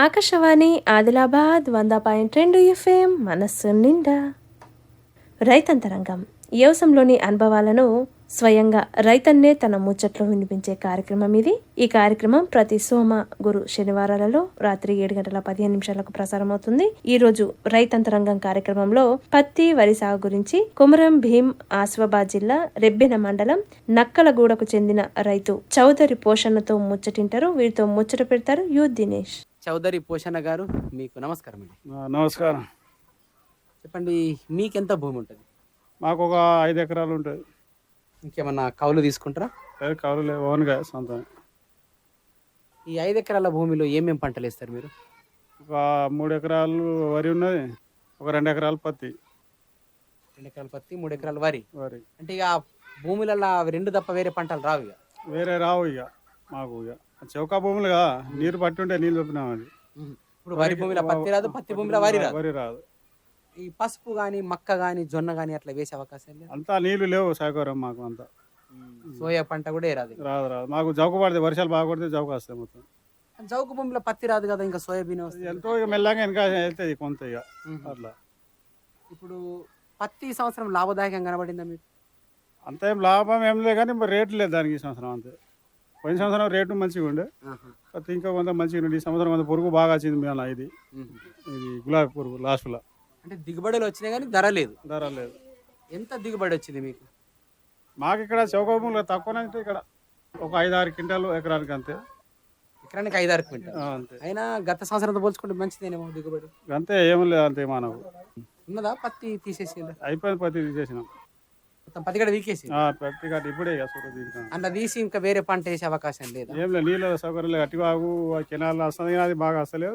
Akashvani Adilabad 100.2 FM మనస్సు నిండా రైతంతరంగం వ్యవసాయంలోని అనుభవాలను స్వయంగా రైతన్నే తన ముచ్చట్లో వినిపించే కార్యక్రమం ఇది. ఈ కార్యక్రమం ప్రతి సోమ గురు శనివారాలలో రాత్రి 7:15 ప్రసారం అవుతుంది. ఈ రోజు రైతంతరంగం కార్యక్రమంలో పత్తి వరి సాగు గురించి కొమరం భీం ఆసిఫాబాద్ జిల్లా రెబ్బెన మండలం నక్కలగూడకు చెందిన రైతు చౌదరి పోషణతో ముచ్చటింటారు. వీరితో ముచ్చట పెడతారు యు దినేష్. చౌదరి పోషణ గారు, మీకు నమస్కారం అండి. నమస్కారం. చెప్పండి, మీకెంత భూమి ఉంటుంది? మాకు ఒక 5 ఎకరాలు ఉంటుంది. ఇంకేమన్నా కౌలు తీసుకుంటారా? కౌలు లేవు, ఓన్గా సొంతం. ఈ 5 ఎకరాల భూమిలో ఏమేమి పంటలు వేస్తారు మీరు? ఒక 3 ఎకరాలు వరి ఉన్నది, ఒక 2 ఎకరాలు పత్తి. 2 ఎకరాలు పత్తి, 3 ఎకరాలు వరి. అంటే ఇక భూములలో అవి రెండు తప్ప వేరే పంటలు రావు? ఇక వేరే రావు. ఇక మాకు ఇక చౌకా భూములుగా నీరు పట్టి ఉంటే నీళ్ళు చెప్పినాం. అది ఇప్పుడు వరి భూమిలో పత్తి రాదు, పత్తి భూమిలో వరి రాదు. ఈ పసుపు కానీ మక్క కానీ జొన్న కానీ అట్లా వేసే అవకాశం లేదు? అంతా నీళ్లు లేవు సౌకర్యం మాకు. అంతా సోయా పంట కూడా రాదు. రాదు. మాకు జౌకు పడితే, వర్షాలు బాగా పడితే జౌకు వస్తాయి మొత్తం. జౌకు భూమిలో పత్తి రాదు కదా, ఇంకా సోయాబీన్ వస్తుంది. ఎంతో ఇక మెల్లగా వెనక వెళ్తుంది కొంత. ఇక అట్లా ఇప్పుడు పత్తి ఈ సంవత్సరం లాభదాయకంగా కనబడిందా మీకు? అంత ఏం లాభం ఏం లేదు, కానీ రేటు లేదు దానికి ఈ సంవత్సరం. అంతే. పోయిన సంవత్సరం రేటు మంచిగా ఉండే, పత్తి ఇంకా కొంత మంచిగా ఉండే. ఈ సంవత్సరం కొంత పురుగు బాగా వచ్చింది. మేము ఇది గులాబీ పురుగు లాస్ట్లో. అంటే దిగుబడులు వచ్చినాయి కానీ ధర లేదు. ఎంత దిగుబడి వచ్చింది మీకు? మాకు ఇక్కడ చౌకభూములు తక్కువనే ఉంటాయి. ఇక్కడ ఒక 5-6 క్వింటాలు ఎకరానికి. అంతే. ఎకరానికి 5-6 క్వింటాలు. అంతే. అయినా గత సంవత్సరంతో పోల్చుకుంటే మంచిదేనేమో దిగుబడి. అంతే, ఏం లేదు. అంతే. మనకు ఉన్నదా? పత్తి తీసేసి అయిపోయింది. పత్తి తీసేసినాం మొత్తం. పత్తి కూడా వీకేసి పత్తి కట్టి ఇప్పుడే అట్లా తీసి ఇంకా వేరే పంట వేసే అవకాశం లేదు? ఏం లేదు, నీళ్ళ సౌకర్యం లేదు. అట్టివాగు కెనాల్ వస్తుంది, అది బాగా వస్తలేదు.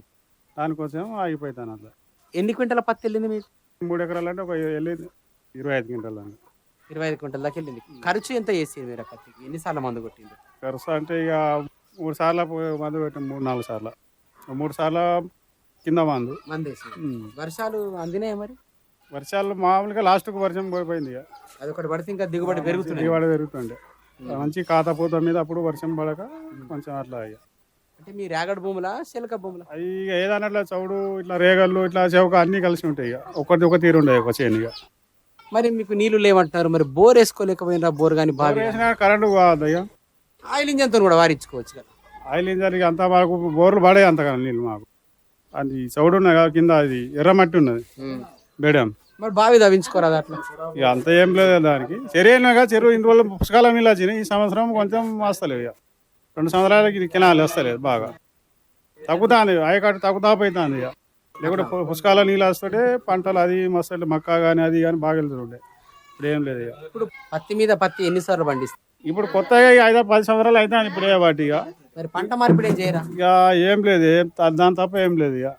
దానికోసం ఆగిపోతాను. అట్లా. ఎన్ని క్వింటాల పత్తి వెళ్ళింది మీకు? 3 ఎకరాలు అంటే ఒక వెళ్ళింది 25 క్వింటాలు. 25 క్వింటాల దాకా వెళ్ళింది. ఖర్చు ఎంత చేసి మీరు పత్తికి? ఎన్నిసార్లు మందు కొట్టింది? ఖర్చు అంటే ఇక 3 సార్లు మందు పెట్టాం. 3-4 సార్లు. 3 సార్లు కింద మందు వేసి. వర్షాలు అందినాయి మరి? వర్షాలు మామూలుగా లాస్ట్కు వర్షం పోయిపోయింది. ఇక అదొకటి పడితే ఇంకా దిగుబడి పెరుగుతుంది. దిగుబడి పెరుగుతుండే మంచి కాతపూత మీద. అప్పుడు వర్షం పడక కొంచెం అట్లా. ఇక అంటే మీ రేగడి భూములా శిలక భూములా? అవి ఏదన్నా చౌడు ఇట్లా రేగళ్ళు ఇట్లా చౌక అన్ని కలిసి ఉంటాయి. ఇక ఒక తీరు ఉండే ఒక చేను. ఇక మరి మీకు నీళ్లు లేవంటున్నారు, మరి బోర్ వేసుకోలేకపోయినా? బోర్ కానీ బాగా కరెంటు కాదు. ఇక ఆయిల్ ఇంజన్తో కూడా వారించుకోవచ్చు కదా. ఆయిల్ ఇంజన్ అంతా మాకు బోర్లు పడే అంత కదా నీళ్ళు మాకు. అది చౌడు ఉన్నది కదా కింద, అది ఎర్రమట్టి ఉన్నది బేడం. మరి బావి తవ్వించుకోరాదు అట్లా? ఇక అంత ఏం లేదు దానికి. చెరువుగా చెరువు ఇన్ని రోజులు పుష్కాల నీళ్ళు వచ్చినాయి. ఈ సంవత్సరం కొంచెం వస్తలేవు. ఇక 2 సంవత్సరాలకి కెనాలు వస్తలేదు. బాగా తగ్గుతుంది. ఆయకట్టు తగ్గుతా పోతుంది. ఇక లేకుంటే పుష్కాల నీళ్ళు వస్తుంటే పంటలు అది మస్తు మక్క కానీ అది కానీ బాగా వెళ్తుండే. ఇప్పుడు ఏం లేదు. ఇక ఇప్పుడు పత్తి మీద పత్తి ఎన్నిసార్లు పండిస్తుంది? ఇప్పుడు కొత్తగా 5-10 సంవత్సరాలు అయితే ఇప్పుడు వాటి. ఇక మరి పంట మార్పిడి చేయరా? ఇక ఏం లేదు, దాని తప్ప ఏం లేదు. ఇక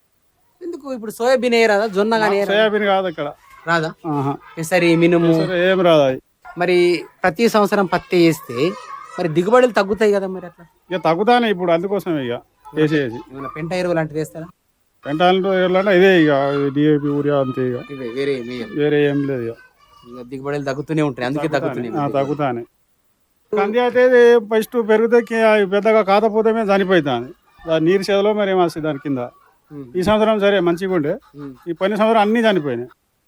ఎందుకు ఇప్పుడు సోయాబీన్ వేయరాదా? జొన్న కానీ? సోయాబీన్ కాదు ఇక్కడ. రాదా? సరే, మినుము ఏం రాదు. మరి ప్రతి సంవత్సరం పత్తి వేస్తే మరి దిగుబడులు తగ్గుతాయి కదా మరి అట్లా? ఇక తగ్గుతానే ఇప్పుడు. అందుకోసం ఇక వేసేసి పెంట ఎరువు లాంటిది వేస్తారా? పెంట ఎరువులంటే ఇదే ఇక డిఏపి యూరియా అంతే. ఇక వేరే ఏం లేదు. ఇక దిగుబడులు తగ్గుతూనే ఉంటాయి. అందుకే తగ్గుతానే. కంది అయితే ఫస్ట్ పెరిగితే పెద్దగా కాతపోతే మీద చనిపోతుంది. నీరు చేదలో మరి ఏమొస్తుంది దాని కింద. ఈ సంవత్సరం సరే మంచిగా ఉండే. ఈ పోయిన సంవత్సరం అన్ని చనిపోయినాయి.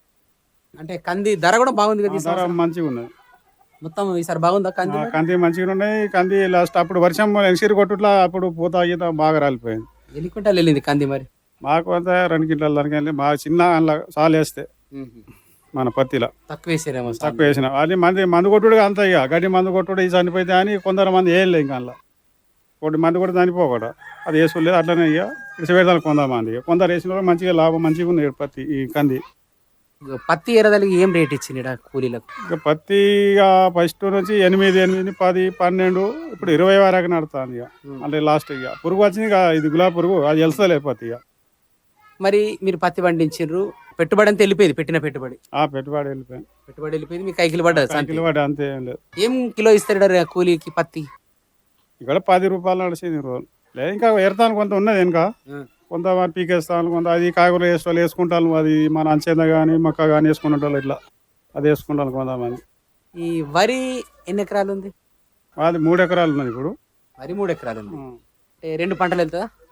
అంటే కంది ధర కూడా బాగుంది కదా? ధర మంచిగా ఉన్నది మొత్తం. ఈసారి బాగుందా కంది? కంది మంచిగా ఉన్నాయి. కంది లాస్ట్ అప్పుడు వర్షం ఎన్సీరు కొట్టుట్లా అప్పుడు పూత గీత బాగా రాలిపోయింది. ఎన్ని క్వింటాలు వెళ్ళింది కంది మరి? మాకు అంతా 2 క్వింటాలు దానికి వెళ్ళి బాగా చిన్న అందులో సాలు వేస్తే మన పత్తిలో తక్కువ వేసారేమో. తక్కువ వేసిన అది మందు కొట్టుడు అంత. ఇక గడ్డి మందు కొట్టుడు ఇది చనిపోతే అని కొందరు మంది వేయలేదు. ఇంకా అందులో ఒకటి మంది కూడా చనిపోకూడదు. అది వేసుకోలేదు. అట్లనే ఇక ఇడిచిపెడతాను కొంతమంది. కొందరు వేసిన వాళ్ళు మంచిగా లాభం మంచిగా ఉంది. పత్తి ఈ కంది పత్తి ఎరదలకి ఏం రేట్ ఇచ్చింది కూలీలకు? ఇక పత్తి ఫస్ట్ నుంచి 8, 10, 12 ఇప్పుడు 20 వరకు నడుతుంది. ఇక అంటే లాస్ట్ ఇక పురుగు వచ్చింది. ఇక ఇది గులాబీ పురుగు, అది వెళ్తలేదు పత్తి. ఇక మరి మీరు పత్తి పండించారు, పెట్టుబడి అంతా వెళ్ళిపోయింది. పెట్టిన పెట్టుబడి వెళ్ళిపోయింది. మీకు కైకిలు పడ్డది అంతే. ఏం లేదు. ఏం కిలో ఇస్తారు కూలీకి పత్తి? ఇక్కడ 10 రూపాయలు నడిచింది రోజు. లేదు ఇంకా ఎడతాను కొంత ఉన్నది. ఇంకా కొంత పీకేస్తాను, కొంత అది కాయగూరలు వేసుకుంటాను. అది మన అంచేద కానీ మక్క కానీ వేసుకుంటారు. ఇట్లా అది వేసుకుంటాను కొంతమంది. ఈ వరి ఎన్ని ఎకరాలు ఉంది? అది 3 ఎకరాలు ఉన్నది ఇప్పుడు. వరి 3 ఎకరాలు ఉంది. 2 పంటలు వెళ్తుందా?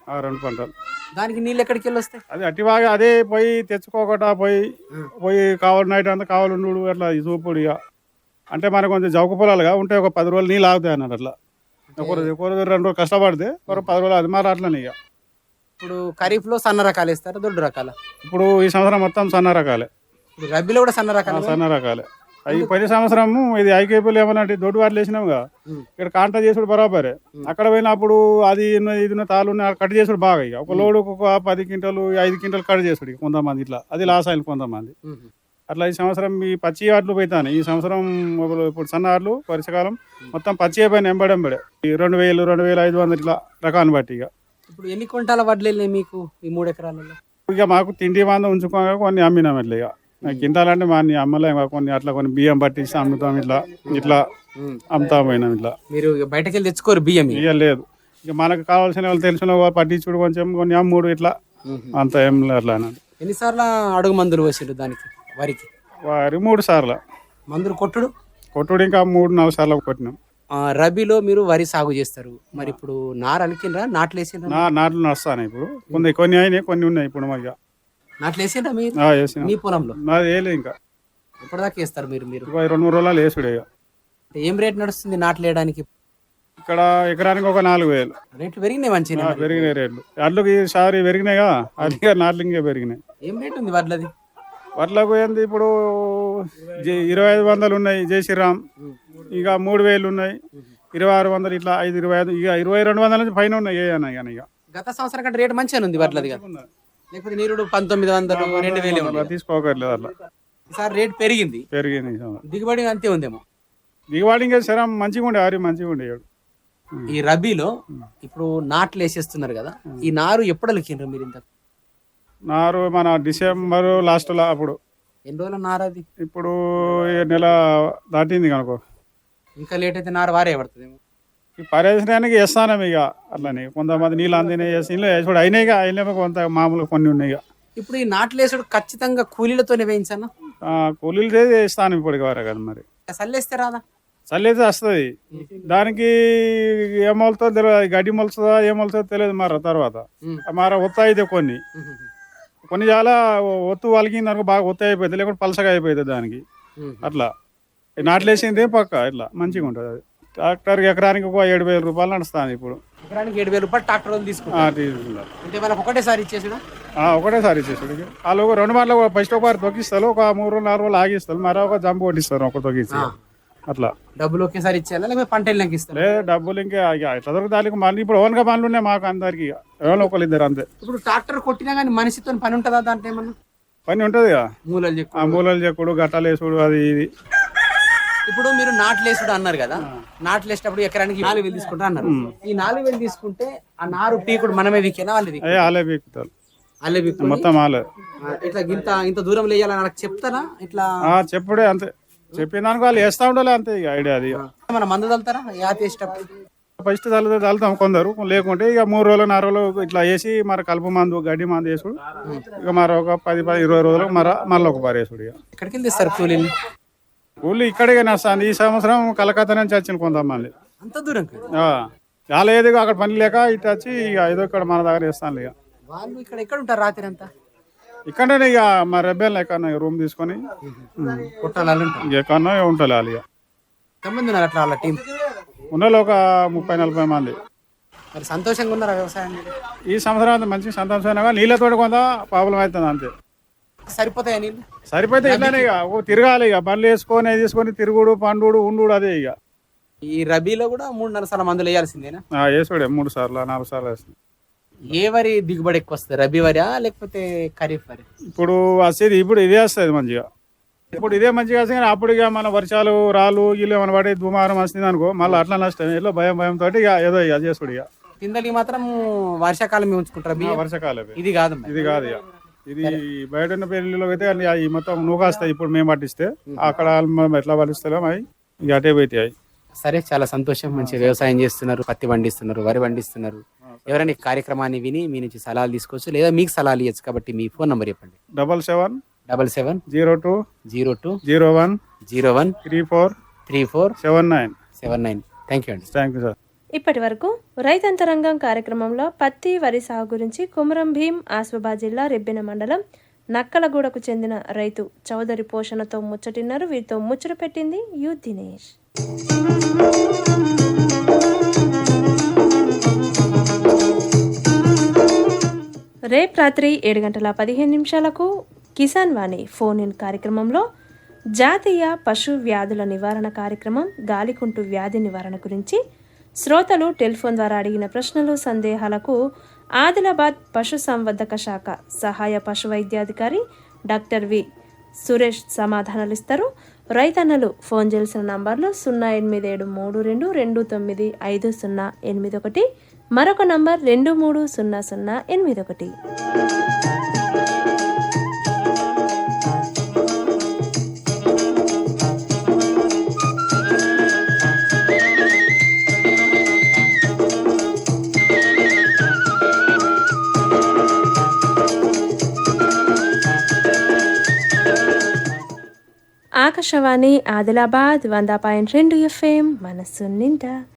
2 పంటలు. దానికి నీళ్ళు ఎక్కడికి వెళ్ళి వస్తాయి? అది అట్టివాగా అదే పోయి తెచ్చుకోకట పోయి కావాలి నైట్ అంతా కావాలి ఉండు అట్లా చూపుడు ఇక. అంటే మనకు కొంచెం జౌక పొలాలుగా ఉంటే ఒక 10 రోజులు నీళ్ళు ఆగుతాయి అన్నట్టు అట్లా. ఒకరు 2 రోజులు కష్టపడితే ఒక 10 రోజులు అది మరి అట్లనే ఇక. ఇప్పుడు ఖరీఫ్ లో సన్న రకాలు వేస్తారు, దొడ్డు రకాల? ఇప్పుడు ఈ సంవత్సరం మొత్తం సన్న రకాలే. ఇప్పుడు రబీలో కూడా సన్న రకాలు? సన్న రకాలే. అవి పోయిన సంవత్సరము ఇది ఐకేపీలు ఏమన్నట్టు దొడ్డు వాటిలు వేసినాముగా, ఇక్కడ కాంటా చేసుడు బరాబరే. అక్కడ పోయినప్పుడు అది ఇది తాళ్ళు కట్ చేసుడు బాగా ఇక. ఒక లోడు ఒక 10 క్వింటాలు 5 క్వింటాలు కట్ చేసుడు ఇక కొంతమంది ఇట్లా. అది లాస్ అయింది కొంతమంది అట్లా. ఈ సంవత్సరం ఈ పచ్చి ఆటలు పోతాను. ఈ సంవత్సరం ఇప్పుడు సన్న ఆటలు వర్షకాలం మొత్తం పచ్చి అయిపోయిన ఎంబడెంబడే 2000 2500 ఇట్లా రకాన్ని బట్టి ఇక. ఇప్పుడు ఎన్ని క్వింటాల వడ్లు వెళ్ళినాయి మీకు ఈ 3 ఎకరాలలో? ఇక మాకు తిండి మంద ఉంచుకోగా కొన్ని అమ్మినాం ఇట్లా ఇక. కింటాలంటే మా అమ్మలేం కొన్ని అట్లా కొన్ని బియ్యం పట్టించి అమ్ముతాం ఇట్లా ఇట్లా అమ్ముతా పోయినాం ఇట్లా. మీరు బయటకు వెళ్ళి తెచ్చుకోరు బియ్యం? ఇక లేదు, ఇక మనకు కావాల్సిన వాళ్ళు తెలిసిన వాళ్ళు పట్టించుడు కొంచెం కొన్ని అమ్ముడు ఇట్లా అంత ఏం లేదు అట్లా. ఎన్నిసార్లు అడుగు మందులు వేసిండు దానికి వరికి? వారి 3 సార్లు మందులు కొట్టుడు ఇంకా 3-4 సార్లు కొట్టినాం. రబీలో మీరు వరి సాగు చేస్తారు, మరి ఇప్పుడు నారు అలికినరా నాట్లు వేసిండ్రా? నాట్లు నడుస్తాను ఇప్పుడు. కొన్ని అయినాయి కొన్ని ఉన్నాయి ఇప్పుడు. మరి నాట్లు వేసిండ్రా మీరు మీ పొలంలో? నాది వేయలేదు ఇంకా. ఎప్పటిదాకా వేస్తారు మీరు? 2-3 రోజులు వేసుడే. ఏం రేట్ నడుస్తుంది నాట్లు వేయడానికి? ఇక్కడ ఎకరానికి ఒక 4000. రేట్లు పెరిగినాయి మంచిగా? పెరిగినాయి రేట్లు. అడ్లకి ఈసారి పెరిగినాయిగా, అది నాట్లు ఇంకా పెరిగినాయి. ఏం రేట్ ఉంది వడ్లది? వడ్లకు ఏంది ఇప్పుడు 2500 ఉన్నాయి జయశ్రీరామ్, ఇక 3000 ఉన్నాయి, 2600 ఇట్లా 525 ఇక 2200 నుంచి పైన ఉన్నాయి. ఇక గత సంవత్సరం కంటే రేటు మంచిగా ఉంది వడ్లది కదా? లేకపోతే నీరుడు 1900 2000 తీసుకోకర్లేదు అట్లా. ఈసారి రేట్ పెరిగింది. దిగుబడి అంతే ఉందేమో? దిగుబడి ఇంకా శరం మంచిగా ఉండే, ఆరి మంచిగా ఉండేవాడు. ఈ రబీలో ఇప్పుడు నాట్లు వేసేస్తున్నారు కదా, ఈ నారు ఎప్పుడు అలికిండ్రు మీరు? ఇంత నారు మన డిసెంబర్ లాస్ట్లో అప్పుడు. ఎన్ని రోజుల నారు అది? ఇప్పుడు నెల దాటింది కనుకో. ఇంకా లేట్ అయితే నారు వారే పడుతుంది. ఈ పర్యవేక్షణానికి వేస్తాను ఇక అట్లని. కొంతమంది నీళ్ళు అందినాయి వేసుడు అయినాయిగా, అయినా కొంత మామూలు కొన్ని ఉన్నాయి. ఇప్పుడు ఈ నాట్లు వేసుడు ఖచ్చితంగా కూలీలతోనే వేయించాను? కూలీలు వేస్తాను ఇప్పటికి వరకు కదా. మరి చల్లేస్తే రాదా? చల్లైతే వస్తుంది, దానికి ఏమవుతుందో తెలియదు, గడ్డి మొలుస్తుందా ఏమవుతుందో తెలియదు. మరి తర్వాత ఒత్త అయితే కొన్ని చాలా ఒత్తు వలికింది అనుకో, బాగా ఒత్తి అయిపోతుంది, లేకుంటే పలసగా అయిపోతుంది దానికి. అట్లా నాట్లు వేసింది పక్క ఇట్లా మంచిగా ఉంటుంది. అది ట్రాక్టర్కి ఎకరానికి ఒక 7000 రూపాయలు నడుస్తాను ఇప్పుడు. ఎకరానికి 7000 రూపాయలు ట్రాక్టర్ తీసుకుంటారు. అంటే మనకు ఒకటేసారి ఇచ్చేసాడు? ఒకటేసారి ఇచ్చేసాడు. వాళ్ళు 2 మార్లు ఫస్ట్ ఒకసారి తొక్కిస్తారు, ఒక 3-4 రోజులు ఆగిస్తారు, మరొక జంపు కొట్టిస్తారు ఒక తొక్కిచ్చి. అట్లా డబ్బులు ఒకేసారి ఇచ్చేయాలా లేకపోతే పంట వెళ్ళాక ఇస్తారు? లేదు, డబ్బులు ఇంకా ఎట్లా దొరుకుతాయి మళ్ళీ. ఇప్పుడు ఓన్గా పనులు ఉన్నాయి మాకు అందరికి, ఎవరో 1-2 అంతే. ఇప్పుడు ట్రాక్టర్ కొట్టినా కానీ మనిషితో పని ఉంటుందా దాంట్లో? ఏమన్నా పని ఉంటుంది, మూలలు చెక్కుడు గట్టాలు వేసుడు అది ఇది. ఇప్పుడు మీరు నాట్లు వేసుడు అన్నారు కదా, నాట్లు వేసేటప్పుడు ఎకరానికి 4000 తీసుకుంటా అన్నారు. ఈ 4000 తీసుకుంటే ఆ నారు పీకుడు మనమే వీకేనా వాళ్ళు? వాళ్ళే పీకుతారు, మొత్తం వాళ్ళే. ఇట్లా ఇంత దూరం వేయాలని నాకు చెప్తారా? ఇట్లా చెప్పుడే అంతే, చెప్పిన దానికి వాళ్ళు వేస్తా ఉండాలి అంతే. ఇక ఐడియా అది. మన మందు చల్లుతారా యాత వేసేటప్పుడు? ఫస్ట్ చల్లుతాం కొందరు, లేకుంటే ఇక 3 రోజులు 4 రోజులు ఇట్లా వేసి మరి కలుపు మందు గడ్డి మందు వేసుడు. ఇక మరి ఒక 10-20 రోజులకు మళ్ళీ ఒక బారి వేసుడు. ఇక ఎక్కడికి వెళ్ళి తెస్తారు కూలీలు? కూలీలు ఇక్కడికే వస్తాను. ఈ సంవత్సరం కలకత్తా నుంచి వచ్చిన కొంతమంది. అంత దూరం చాలా ఏదో అక్కడ పని లేక ఇటు వచ్చి ఇక ఏదో ఇక్కడ మన దగ్గర వేస్తాను. ఇక వాళ్ళు ఇక్కడ ఎక్కడ ఉంటారు రాత్రి అంతా? ఇక్కడనే ఇక మా రెబ్బెల్ ఎక్కడన్నా రూమ్ తీసుకొని ఎక్కడన్నా ఉంటారు వాళ్ళు. ఇక ఎంతమంది ఉన్నారు అట్లా వాళ్ళ టీం? ఉన్నలో ఒక 30-40 మంది. మరి సంతోషంగా ఉన్నారా వ్యవసాయం? ఈ సంవత్సరం అంతా మంచి సంతోషంగా, నీళ్ళతో కొంత ప్రాబ్లం అవుతుంది అంతే. సరిపోతాయా నీళ్ళు? సరిపోతే ఇట్లానే ఇక తిరగాలి, ఇక బండ్లు వేసుకొని తీసుకొని తిరుగుడు పండుడు ఉండు అదే. ఇక ఈ రబీలో కూడా 3-4 సార్లు మందులు వేయాల్సిందేనా? వేసుడే 3 సార్లు 4 సార్లు వేస్తుంది. ఏ వరి దిగుబడి ఎక్కువ వస్తుంది, రబీ వరియా లేకపోతే ఖరీఫ్ వరి? ఇప్పుడు వచ్చేది ఇప్పుడు ఇదే వస్తుంది మంచిగా. ఇప్పుడు ఇదే మంచిగా వస్తుంది, కానీ అప్పుడు ఇక మన వర్షాలు రాళ్ళు ఇల్లు ఏమైనా పడి దుమారం వస్తుంది అనుకో, మళ్ళీ అట్లా నష్టం. ఏదో భయంతో ఇక ఏదో ఇక చేసుడు. ఇక కిందకి మాత్రం వర్షాకాలం ఉంచుకుంటారు. వర్షాకాలం ఇది కాదు ఇక ఇది బయట ఉన్న పెళ్లిలో అయితే ఈ మొత్తం నూకాస్తాయి. ఇప్పుడు మేము పట్టిస్తే అక్కడ ఎట్లా పట్టిస్తాం అవి ఇక అటే పోతాయి. సరే, చాలా సంతోషం. మంచి వ్యవసాయం చేస్తున్నారు, పత్తి పండిస్తున్నారు, వరి పండిస్తున్నారు. ఎవరైనా ఈ కార్యక్రమాన్ని విని మీ నుంచి సలహాలు తీసుకోవచ్చు, లేదా మీకు సలహాలు ఇవ్వచ్చు. కాబట్టి మీ ఫోన్ నంబర్ చెప్పండి. 777702020101343479. థ్యాంక్ యూ అండి. Thank you sir. ఇప్పటి వరకు రైతంతరంగం కార్యక్రమంలో పత్తి వరి సాగు గురించి కుమరం భీం ఆసిఫాబాద్ జిల్లా రెబ్బెన మండలం నక్కలగూడకు చెందిన రైతు చౌదరి పోషణతో ముచ్చటిన్నారు. వీరితో ముచ్చట పెట్టింది యు దినేష్. రేపు రాత్రి 7:15 కిసాన్ వాణి ఫోన్ ఇన్ కార్యక్రమంలో జాతీయ పశు వ్యాధుల నివారణ కార్యక్రమం గాలికుంటు వ్యాధి నివారణ గురించి శ్రోతలు టెలిఫోన్ ద్వారా అడిగిన ప్రశ్నలు సందేహాలకు ఆదిలాబాద్ పశు సంవర్ధక శాఖ సహాయ పశు వైద్యాధికారి డాక్టర్ వి సురేష్ సమాధానాలు ఇస్తారు. రైతన్నలు ఫోన్ చేయాల్సిన నంబర్లు 08732295081, మరొక నంబర్ 230081. ఆకాశవాణి ఆదిలాబాద్ 100.2 FM మనస్సు నిండా.